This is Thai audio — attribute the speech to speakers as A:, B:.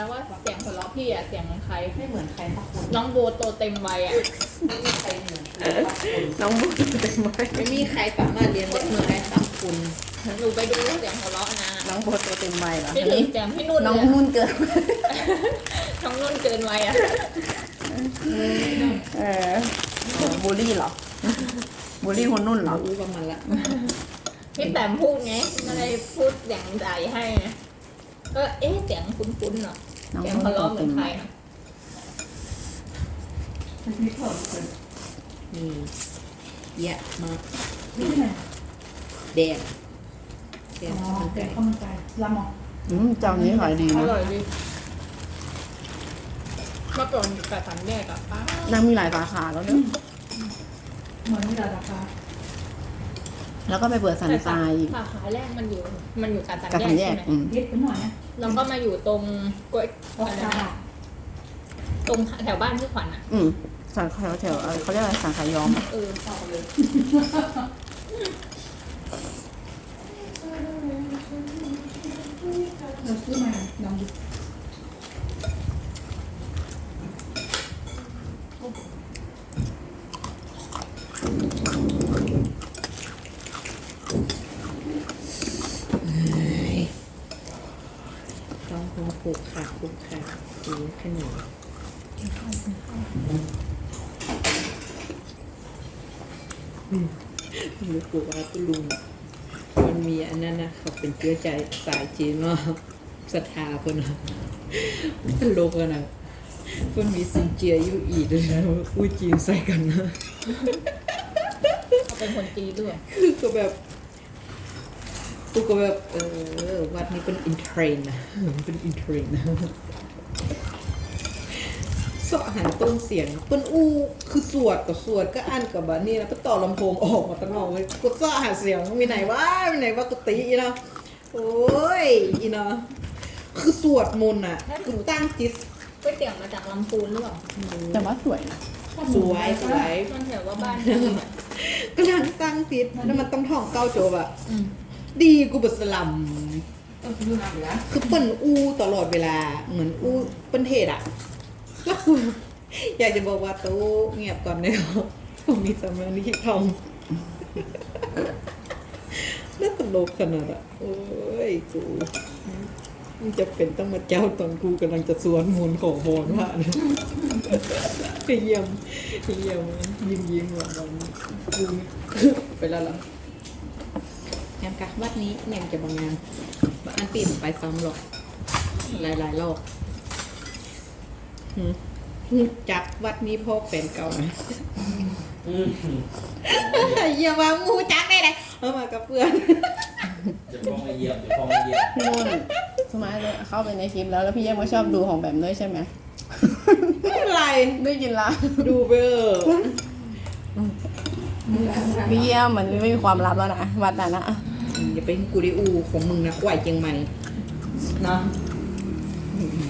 A: ว่าเสียงหัวเราะพี่อะเสียงเหมือนใคร
B: ไม่เหมือนใครสักคน
A: น้องโบโตเต็มวัยอะ
B: ไม่มีใครเหมือนใครสักคน
C: น้องบุญเต็มไว้
B: ไม่มีใครสามารถเรียนแบบเหมือนใครสักคน
A: หนูไปดูเสียงหัวเราะนะ
C: น้องโบตัวเต็มใบเหรอ
A: พี่ถึงเสียงพี่นุ่น
C: น้อง
A: เลย
C: นุ่นเกิน
A: น้องนุ่นเกินวัยอะ
C: เออบูลลี่เหรอบูลลี่คนนุ่นเหรอ
B: รู้ประมาณละ
A: พี่แต้มพูดไงไม่ได้พูดเสียงใดให้นะก็เอ๊ะเสียงคุ้นๆเนาะ
C: น้อง
A: เสียง
C: นุ่น
A: หัว
C: ตัว
A: เราะเหมื
C: เต็
A: อน
C: ม
A: ใค
C: ใบ
A: รนะ
B: นี่เยอะมาก
D: นี่ไง
B: แดงแดง
D: อ๋อ
B: ข้าวมัน
D: เป็
B: ไก่
D: นข้าวมันไก่ลำหรอ
C: เจ้านี้ขายดี
A: อ
C: นะ
A: ร่อยดีเมื่อก่อนอยู่กับสามแยกอะป้า
C: ยังมีหลายสาขาแล้วเนี่ย
D: เหมือนนี่แหละราคา
C: แล้วก็ไปเปิดสันทรายอีก
A: สาขาแรกมันอยู่กับสาม
C: กับ
A: แย
C: สั
A: ก
C: นแย
A: ใช่
C: ก
A: ไหม
D: พิษเป็นหน่อยนะ
A: แล้วก็มาอยู่ตรงกล้วย
D: ออก
A: อะไร
D: จา
A: นะตรงแถวบ้านพี่ขวัญอะ
C: สันแถวเขาเรียกอะไรสันขายอมอะ
A: เออ
D: ออกเลย เราซื้อมาลองดู
B: ต้องคงผูกขาดผูกขาดดูขึ้นหนูรู้กูว่าคุณลุงมันมีอันนั้นนะเขาเป็นเชื้อใจสายจีนเนาะศรัทธาคนนะตลกอะนะมันมีซินเจียอยู่อีกเลยนะพูดจีนใส่กันนะ
A: เขาเป็นคนจีนด้วย
B: คือก็แบบกูก็แบบวัดนี้เป็นอินเทรนด์นะเป็นอินเทรนด์นะเสาะหาต้นเสียงต้นอู้คือสวดกับสวดก็อันกับแบบนี้นะก็ต่อลำโพงออกมาตั้งนอกเลยกูเสาะหาเสียงมีไหนวะมีไหนวะกุฏิอีนะโอ้ยอีนะคือสวดมนต์อ่ะคือตั้งจิต
A: ก๋วยเตี๋ยวมาจากลำพูนหรือเปล่า
C: แต่ว่าสวยนะ
B: สวยสวย
A: มันแถวว่าบ้านพี่อะ
B: กำลังตั้งจิตแล้วมันต้องท่องเก้าโจบอะ
A: อืม
B: ดีกูบสลัม
D: ต้องซื้อมาอยู่แล้ว
B: คือเปิ้นอู้ตลอดเวลาเหมือนอู้เปิ้นเทศอะแล้วกูอยากจะบอกว่าตู้เงียบก่อนเนอะผมมีสมาธิทองน่าตลกขนาดอะโอ้ยกูมันจะเป็นต้องมาเจ้าตอนกูกำลังจะสวนมนต์ขอพรว่านะไปเยี่ยมยิ้มว่าวันกูไปแล้วล่ะงานกะวัดนี้ยังจะบางงานบางอันปีมันไปซ้ำหรอกหลายรอบจักวัดนี้พ่อแฟนเก่านะอย่ามามูจักได้เลยเอามากับเพื่อน
E: จะฟ้องมาเยี่ยมจะฟ้องมาเยี่ยม
C: พี่นุ่นสมัยเข้าไปในคลิปแล้วพี่เยี่ยมก็ชอบดูของแบบด้วยใช่ไหม
B: ไม่เป็นไร
C: ได้ยินละ
B: ดูไปเออ
C: พี่เยี่ยมมันไม่มีความลับแล้วนะวัดนั้นนะ
B: อย่าไปกูดิอูของมึงนะไหวเจียงใหม่นะ